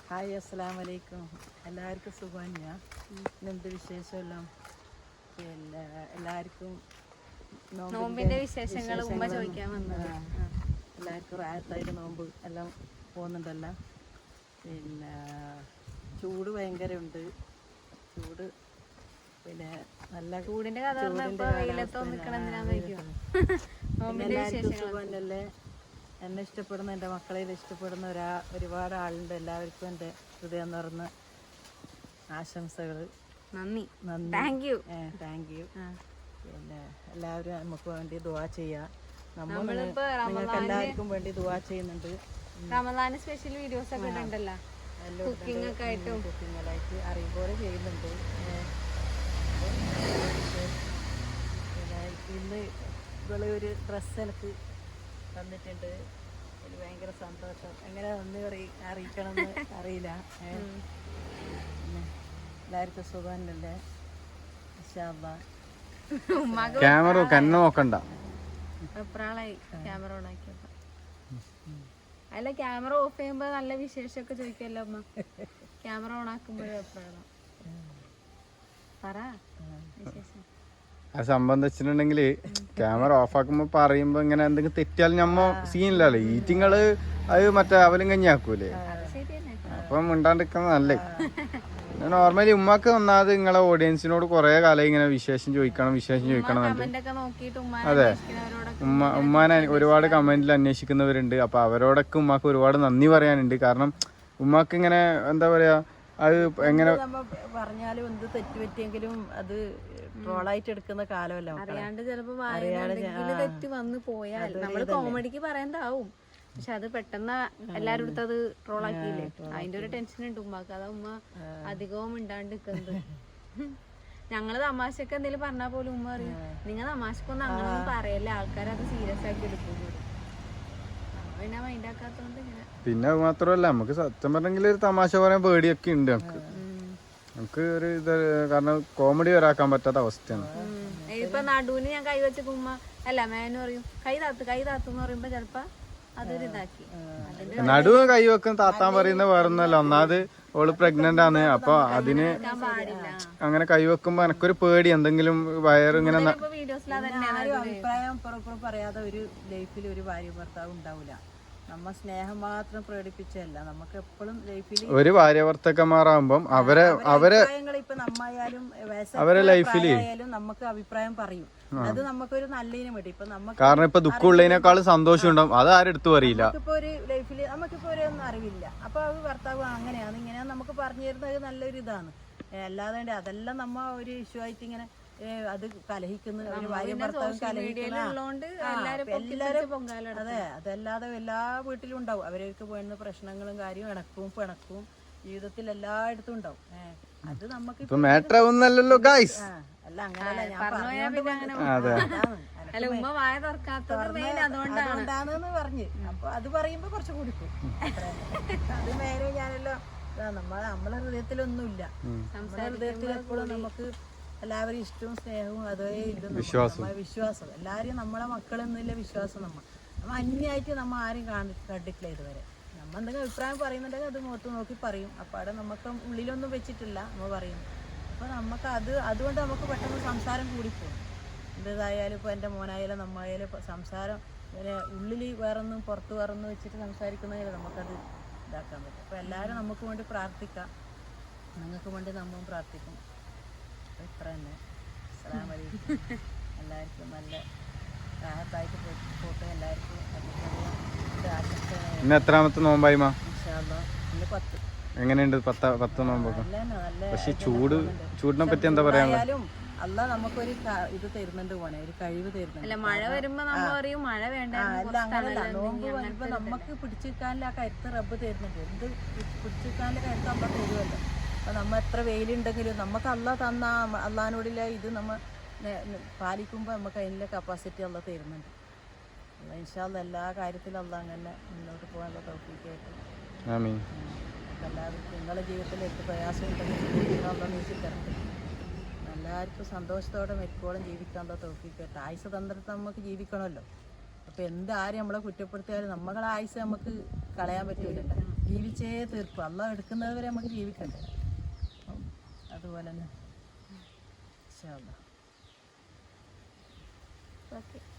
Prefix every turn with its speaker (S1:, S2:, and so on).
S1: Hi അസ്സലാമു അലൈക്കും. എല്ലാവർക്കും സുഖമാണ്. ഇന്നെന്ത് വിശേഷമെല്ലാം? പിന്നെ എല്ലാവർക്കും
S2: നോമ്പിന്റെ വിശേഷങ്ങൾ ഉമ്മ ചോദിക്കാൻ വന്നത്.
S1: എല്ലാവർക്കും റാഹത്തായിട്ട് നോമ്പ് എല്ലാം പോകുന്നുണ്ടല്ലോ. പിന്നെ ചൂട് ഭയങ്കര ഉണ്ട്. ചൂട് പിന്നെ നല്ല
S2: ചൂടിന്റെ കഥ
S1: സുഖമല്ലേ? എന്നെ ഇഷ്ടപ്പെടുന്ന എൻ്റെ മക്കളെ ഇഷ്ടപ്പെടുന്ന ഒരുപാട് ആളുണ്ട്. എല്ലാവർക്കും എൻ്റെ ഹൃദയം നിറഞ്ഞ ആശംസകൾ.
S2: നന്ദി.
S1: Thank you. പിന്നെ എല്ലാവരും നമുക്ക് വേണ്ടി ദുആ ചെയ്യാം. നിങ്ങൾക്ക് എല്ലാവർക്കും വേണ്ടി ദുആ ചെയ്യുന്നുണ്ട്.
S2: റമദാന് സ്പെഷ്യൽ വീഡിയോസ് ഒക്കെ ഉണ്ടല്ലോ, കുക്കിംഗ് ഒക്കെ ആയിട്ടും
S1: കുക്കിങ്ങായിട്ട് അറിയുമ്പോൾ ചെയ്യുന്നുണ്ട്. പിന്നെ ഇന്ന് ഇവള് ഒരു ഡ്രസ്സ് എനിക്ക് തന്നിട്ടുണ്ട്. എനിക്ക് ഭയങ്കര സന്തോഷം. എങ്ങനെ നന്ദി അറിയിക്കണമെന്ന് അറിയില്ല. പിന്നെ എല്ലാവർക്കും സുഖമല്ലേ?
S3: ക്യാമറ കണ്ണ് നോക്കണ്ട.
S2: ക്യാമറ ഓൺ ആക്കിയപ്പോ അല്ല, ക്യാമറ ഓഫ് ചെയ്യുമ്പോ നല്ല വിശേഷമൊക്കെ ചോദിക്കല്ലോ അമ്മ. ക്യാമറ ഓൺ ആക്കുമ്പോഴേ അഭിപ്രായം പറ വിശേഷം.
S3: അത് സംബന്ധിച്ചിട്ടുണ്ടെങ്കിൽ ക്യാമറ ഓഫ് ആക്കുമ്പോ പറയുമ്പോ ഇങ്ങനെ എന്തെങ്കിലും തെറ്റിയാലും നമ്മ സീനില്ലല്ലോ. ഈറ്റിങ്ങള് അത് മറ്റേ അവലും കഞ്ഞിയാക്കൂലേ, അപ്പം മിണ്ടാണ്ടിരിക്കുന്നത് നല്ലേ. നോർമലി ഉമ്മാക്ക് ഒന്നാമത് നിങ്ങളെ ഓഡിയൻസിനോട് കുറെ കാലം ഇങ്ങനെ വിശേഷം ചോദിക്കണം അതെ. ഉമ്മാനെ ഒരുപാട് കമന്റിൽ അന്വേഷിക്കുന്നവരുണ്ട്. അപ്പൊ അവരോടൊക്കെ ഉമ്മാക്ക് ഒരുപാട് നന്ദി പറയാനുണ്ട്. കാരണം ഉമ്മാക്ക് ഇങ്ങനെ എന്താ പറയാ, അത് എങ്ങനെ
S1: പറഞ്ഞാലും എന്ത് തെറ്റുപറ്റിയെങ്കിലും അത് ട്രോളായിട്ട് എടുക്കുന്ന കാലമല്ല.
S2: അറിയാണ്ട് ചിലപ്പോ തെറ്റ് വന്നു പോയാൽ നമ്മള് കോമഡിക്ക് പറയണ്ടാവും, പക്ഷെ അത് പെട്ടെന്ന് എല്ലാരും അടുത്ത് അത് ട്രോളാക്കിയില്ലേ, അതിന്റെ ഒരു ടെൻഷൻ ഉണ്ട് ഉമ്മാക്ക്. അതാ ഉമ്മ അധികവും മിണ്ടാണ്ട് നിക്കുന്നത്. ഞങ്ങള് തമാശക്ക് എന്തെങ്കിലും പറഞ്ഞാൽ പോലും ഉമ്മ അറിയും, നിങ്ങൾ തമാശക്കൊന്നും അങ്ങനെ ഒന്നും പറയല്ലേ, ആൾക്കാർ അത് സീരിയസ് ആക്കി എടുക്കും. പിന്നെ മൈൻഡ് ആക്കാത്തോണ്ട് ഇങ്ങനെ.
S3: പിന്നെ മാത്രമല്ല, നമുക്ക് സത്യം പറഞ്ഞെങ്കിൽ ഒരു തമാശ പറയാൻ പേടിയൊക്കെ ഉണ്ട് നമുക്ക് ഒരു ഇത്. കാരണം കോമഡി വരാക്കാൻ പറ്റാത്ത അവസ്ഥയാണ്.
S2: ഇപ്പൊ നടുവിന് ഞാൻ കൈ വെച്ച ഉമ്മ അല്ല മേനു പറയും കൈ താത്തെന്ന് പറയുമ്പോ ചെലപ്പോ അതൊരു ഇതാക്കി.
S3: നടുവ് കൈ വെക്കുന്ന താത്താൻ പറയുന്ന വേറൊന്നല്ല. ഒന്നാമത് ഓള് പ്രഗ്നന്റ് ആണ്. അപ്പൊ അതിന് അങ്ങനെ കൈ വെക്കുമ്പോ എനക്കൊരു പേടി, എന്തെങ്കിലും വയറിങ്ങനെ
S1: അഭിപ്രായം പുറപ്പുറം പറയാതെ ഒരു ലൈഫിൽ ഒരു ഭാര്യ ഭർത്താവ് ഉണ്ടാവില്ല. നമ്മ സ്നേഹം മാത്രം പ്രകടിപ്പിച്ചല്ല, നമുക്ക് എപ്പോഴും ലൈഫിൽ
S3: ഒരു ഭാര്യ ഭർത്താക്കന്മാരാകുമ്പം അവരെ
S1: ഇപ്പൊ നമ്മയാലും
S3: അവരെ ലൈഫില്
S1: നമുക്ക് അഭിപ്രായം പറയും. അത് നമുക്കൊരു നല്ലതിന് വേണ്ടി. ഇപ്പൊ നമുക്ക്
S3: കാരണം ഇപ്പൊ ദുഃഖമുള്ളതിനേക്കാളും സന്തോഷം ഉണ്ടാവും. അത് ആരെടുത്തു അറിയില്ല.
S1: നമുക്കിപ്പോ ഒരു ലൈഫില് നമുക്കിപ്പോ ഒരു ഒന്നും അറിവില്ല. അപ്പൊ ഭർത്താവ് അങ്ങനെയാണ് ഇങ്ങനെയാണ് നമുക്ക് പറഞ്ഞു തരുന്നത് നല്ലൊരു ഇതാണ്. അല്ലാതെ അതെല്ലാം നമ്മ ഒരു ഇഷ്യൂ ആയിട്ട് ഇങ്ങനെ അത് കലഹിക്കുന്ന ഒരു ഭാര്യ ഭർത്താവും കലഹിക്കുന്ന എല്ലാരും. അതെ, അതല്ലാതെ എല്ലാ വീട്ടിലും ഉണ്ടാവും. അവർക്ക് വേണ്ട പ്രശ്നങ്ങളും കാര്യവും ഇണക്കവും പിണക്കവും ജീവിതത്തിൽ എല്ലായിടത്തും ഉണ്ടാവും. അത് നമുക്ക് അല്ല അങ്ങനല്ല ഞാൻ അതുകൊണ്ടാണെന്ന് പറഞ്ഞ്. അപ്പൊ അത് പറയുമ്പോ കുറച്ച് കുടിക്കും. അത് നേരെ ഞാനെല്ലാം നമ്മളെ ഹൃദയത്തിലൊന്നുമില്ല. നമ്മുടെ ഹൃദയത്തിൽ എപ്പോഴും നമുക്ക് എല്ലാവരും ഇഷ്ടവും സ്നേഹവും അതേ ഇത് വിശ്വാസം. എല്ലാവരും നമ്മളെ മക്കളെന്നില്ല വിശ്വാസം. നമ്മ അന്യായിട്ട് നമ്മ ആരും കണ്ടിട്ടില്ല ഇതുവരെ. നമ്മ എന്തെങ്കിലും അഭിപ്രായം പറയുന്നുണ്ടെങ്കിൽ അത് മുഖത്ത് നോക്കി പറയും. അപ്പോൾ അവിടെ നമുക്ക് ഉള്ളിലൊന്നും വെച്ചിട്ടില്ല നമ്മ പറയും. അപ്പോൾ നമുക്ക് അതുകൊണ്ട് നമുക്ക് പെട്ടെന്ന് സംസാരം കൂടിപ്പോകും. എന്തായാലും ഇപ്പോൾ എൻ്റെ മോനായാലും നമ്മായാലും സംസാരം ഉള്ളിൽ വേറൊന്നും പുറത്ത് വേറൊന്നും വെച്ചിട്ട് സംസാരിക്കുന്നതിൽ നമുക്കത് ഇതാക്കാൻ പറ്റും. അപ്പോൾ എല്ലാവരും നമുക്ക് വേണ്ടി പ്രാർത്ഥിക്കാം, നിങ്ങൾക്ക് വേണ്ടി നമ്മളും പ്രാർത്ഥിക്കും. ഇത്ര തന്നെ. അസ്സലാമു അലൈക്കും. എല്ലാവർക്കും നല്ല റാഹത്തായിട്ട് പോട്ടെ. എല്ലാവർക്കും
S3: ഇന്ന് എത്രാമത്തെ നോമ്പായി?
S1: ഇന്ന് 10.
S3: എങ്ങനെയുണ്ട് 10 നോമ്പൊക്കെ? പക്ഷെ ചൂടിനെ പറ്റി എന്താ പറയാനുള്ളത്?
S1: അല്ല നമുക്കൊരു ഇത് തരുന്നുണ്ട് പോണേ, ഒരു കഴിവ് തരുന്നുണ്ട്.
S2: മഴ വരുമ്പോ മഴ വേണ്ട.
S1: അല്ല അങ്ങനല്ല, നോമ്പ് വരുമ്പോ നമുക്ക് പിടിച്ചിരിക്കാനുള്ള ആ കരുത്ത് റബ്ബ് തരുന്നുണ്ട്. എന്ത് പിടിച്ചിരിക്കാനുള്ള കരുത്ത് അല്ല തരുമല്ലോ. അപ്പോൾ നമ്മ എത്ര വെയിലുണ്ടെങ്കിലും നമുക്ക് അല്ല തന്ന അള്ളാഹിനോടില്ല ഇത് നമ്മ പാലിക്കുമ്പോൾ നമുക്ക് അതിൻ്റെ കപ്പാസിറ്റി അല്ല തരുന്നുണ്ട്. ഇൻഷാ അല്ലാഹ് എല്ലാ കാര്യത്തിലും അല്ല അങ്ങനെ മുന്നോട്ട് പോകാനുള്ള തൗഫീഖായിട്ട് എല്ലാവർക്കും നിങ്ങളുടെ ജീവിതത്തിൽ എന്ത് പ്രയാസം ഉണ്ടെങ്കിൽ നീക്കിത്തരട്ടെ. എല്ലാവർക്കും സന്തോഷത്തോടെ മെക്കോളം ജീവിക്കാനുള്ള തൗഫീഖായിട്ട്. ആയുസ് തന്നിട്ട് നമുക്ക് ജീവിക്കണമല്ലോ. അപ്പോൾ എന്താരും നമ്മളെ കുറ്റപ്പെടുത്തിയാലും നമ്മളെ ആയുസ് നമുക്ക് കളയാൻ പറ്റൂലല്ലോ. ജീവിച്ചേ തീർക്കും. അള്ളാഹ് എടുക്കുന്നത് വരെ നമുക്ക് ജീവിക്കണ്ടേ. അപ്പം അതുപോലെ തന്നെ ഇൻഷാ അല്ലാഹ്.
S2: ഓക്കെ.